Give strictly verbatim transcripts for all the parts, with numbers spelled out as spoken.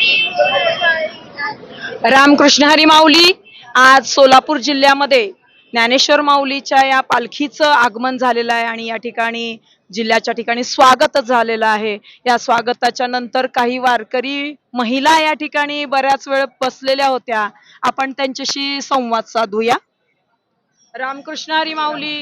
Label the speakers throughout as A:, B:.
A: रामकृष्ण हरी माऊली. आज सोलापूर जिल्ह्यामध्ये ज्ञानेश्वर माऊलीच्या या पालखीचं आगमन झालेलं आहे आणि या ठिकाणी जिल्ह्याच्या ठिकाणी स्वागतच झालेलं आहे. या स्वागताच्या नंतर काही वारकरी महिला या ठिकाणी बऱ्याच वेळ बसलेल्या होत्या. आपण त्यांच्याशी संवाद साधूया. रामकृष्ण हरी माऊली.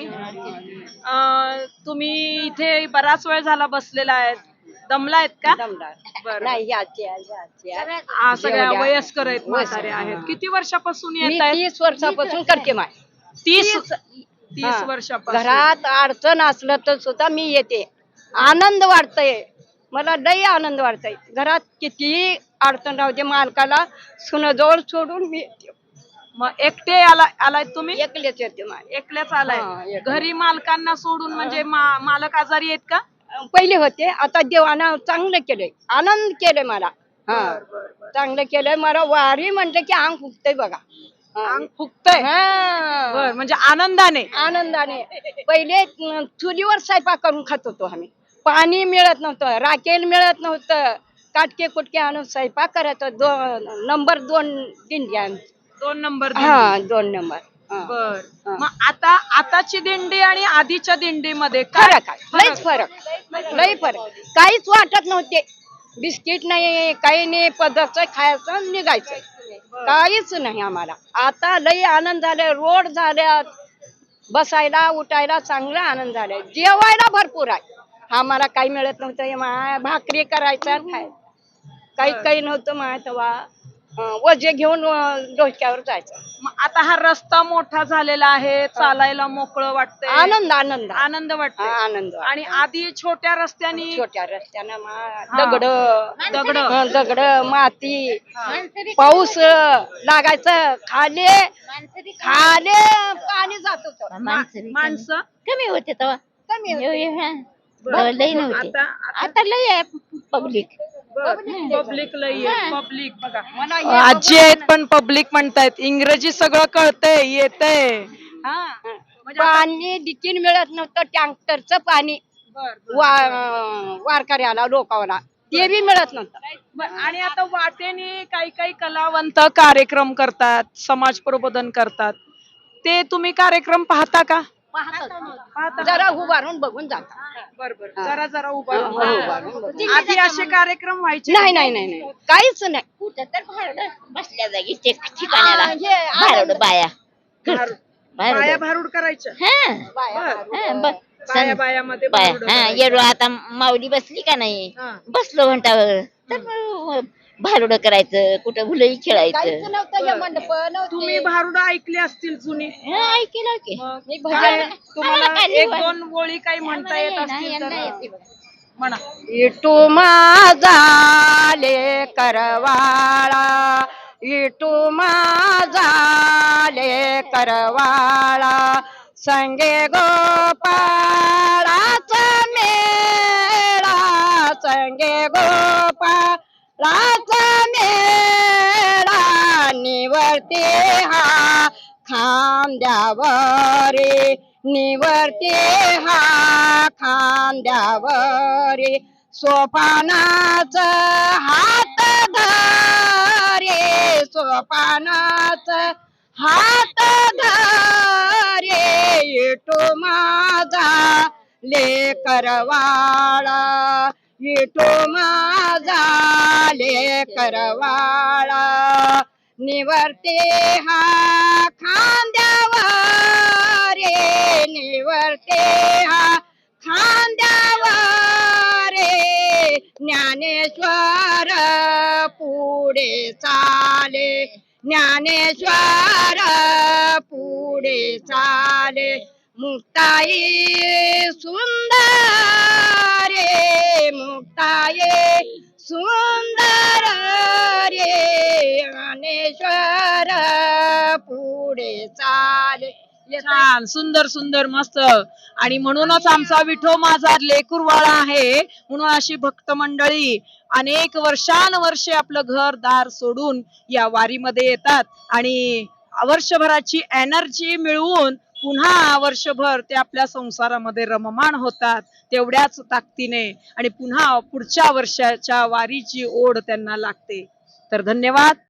A: अं, तुम्ही इथे बराच वेळ झाला बसलेला आहेत, दमलायत का? बरं.
B: नाही याची याची
A: हा, सगळ्या वयस्कर आहेत, म्हातारे आहेत. किती वर्षापासून
B: मी
A: येत आहेत?
B: तीस वर्षापासून करते माय
A: तीस
B: तीस-
A: तीस
B: हा.
A: वर्षापासून.
B: घरात अडचण असलं तर सुद्धा मी येते. आनंद वाटतय मला, लई आनंद वाटतय. घरात कितीही अडचण राहू दे, मालकाला सुनजवळ सोडून मी येते.
A: मग एकटे आला आलाय तुम्ही?
B: एकलेच येते माय.
A: एकल्याच
B: हा,
A: आलाय.
B: एकले.
A: घरी मालकांना सोडून म्हणजे मा- मालक आजारी आहेत का?
B: पहिले होते, आता देवानं चांगलं केलंय, आनंद केलंय मला. हा, चांगलं केलंय मला. वारी म्हटलं की अंग फुगतय बघा. हा.
A: अंग फुगतय.
B: हा.
A: बर, म्हणजे आनंदाने.
B: आनंदाने. पहिले अं, चुलीवर स्वयंपाक करून खात होतो आम्ही. पाणी मिळत नव्हतं, राखेल मिळत नव्हतं, काटके कुटके आणून स्वयंपाक करायचो. दोन नंबर दोन दिंड्या.
A: दोन नंबर
B: हा, दोन नंबर. हा.
A: बर.
B: हा.
A: मग आता आताची दिंडी आणि आधीच्या दिंडीमध्ये काय
B: फरक आहे, लईच फरक, लई फरक. काहीच वाटत नव्हते. बिस्किट नाही, काही नाही, पदार्थ खायचं निघायचं, काहीच नाही आम्हाला. आता लई आनंद झाले. रोड झाल्यात, बसायला उठायला चांगला आनंद झालाय. जेवायला भरपूर आहे. आम्हाला काही मिळत नव्हतं, मा भाकरी करायचा खाय, काही काही नव्हतं मा. तेव्हा अं, वजे घेऊन अं, डोक्यावर जायचं.
A: मग आता हा रस्ता मोठा झालेला आहे, चालायला मोकळं वाटतंय,
B: आनंद आनंद
A: आनंद
B: हा,
A: वाटतोय.
B: आनंद.
A: आणि आधी छोट्या रस्त्यानी
B: छोट्या रस्त्यानं मा
A: हा.
B: दगड
A: दगड.
B: हं, दगड माती,
A: हा.
B: पाऊस लागायचं, खाले खाले पाणी जात होत.
A: माणसं
C: कमी होते तेव्हा.
B: कमी होते.
C: एवढे, हा.
A: बर.
C: तेव्हा लई नव्हते.
A: आता
C: आता लई आहे पब्लिक.
A: पब्लिक लई आहे. पब्लिक बघा,
B: मला हे
A: आजी आहेत पण पब्लिक म्हणतायत. इंग्रजी सगळं कळतंय, येतंय.
B: हा. पाणी देखील मिळत नव्हतं. टँकरचं पाणी वा- वारकऱ्याला लोकांना ते बी मिळत नव्हतं.
A: बर. आणि आता वाटेने काही काही कलावंत कार्यक्रम करतात, समाज प्रबोधन करतात. ते तुम्ही कार्यक्रम पाहता का? पाहता.
B: जरा उभारून बघून जाता.
A: बरोबर, जरा जरा उभा
B: हा,
A: राहून.
B: उभारून बघून.
A: आधी असे कार्यक्रम व्हायचे?
B: नाही नाही नाही नाही, काहीच नाही.
C: कुठं तर भारुडं बसल्या जागी ते ठिकाणाला
B: हा, हे
C: भारुडं बाया.
A: भारूड.
C: भारुडं.
A: बाया भारूड करायच्या.
C: हा.
B: बाया
A: बर.
B: भारूड.
C: हा, ब-
A: बाया
C: सं-
A: बायामध्ये
C: बाया.
A: भारूड
C: हा,
A: करायच्या.
C: येडो आता माऊली बसली का नाही,
A: हा.
C: बसलो घंटावर तर मग भारुडं करायचं, कुठं भुलई
B: काहीच
C: खेळायचं.
B: नव्हतं, हे मंडप नव्हते.
A: तुम्ही भारूड ऐकली असतील जुनी.
C: हा, ऐकेलं की.
A: मग
B: मी
A: काय
B: भजन-
A: तुम्हाला
C: आम्हाला काय
A: एक
C: लिहून-
A: दोन ओळी काही म्हणता येत
C: आम्हाला
A: असतील
C: यांना-
A: तर
C: यांना येते.
A: म्हणा.
B: इटू माझा ले करवाळा, इटू माझा ले करवाळा, संगे गोपाळाचा मेळा, संगे गोपाळाचा मेळा, निवर्ते हा खांद्यावरे, निवर्ते हा खांद्यावरे, सोपानाच हात धरे, सोपानाच हात धरे, इटू माझा लेकरवाळा, इटू माझा लेकरवाळा, निवर्ते हा खांद्यावरे, निवर्ते हा खांद्यावरे, ज्ञानेश्वर पुढे चाले, ज्ञानेश्वर पुढे चाले, मुक्ताई सुंदर रे, मुक्ताई सुंदर रे, ज्ञानेश्वर पुढे चाले.
A: छान, सुंदर सुंदर, मस्त. आणि म्हणूनच आमचा विठो माझा लेकुरवाळा आहे. म्हणून अशी भक्त मंडळी अनेक वर्षानुवर्षे आपलं घर दार सोडून या वारीमध्ये येतात आणि वर्षभराची एनर्जी मिळवून पुन्हा वर्षभर ते आपल्या संसारामध्ये रममाण होतात तेवढ्याच ताकदीने, आणि पुन्हा पुढच्या वर्षाच्या वारीची ओढ त्यांना लागते. तर धन्यवाद.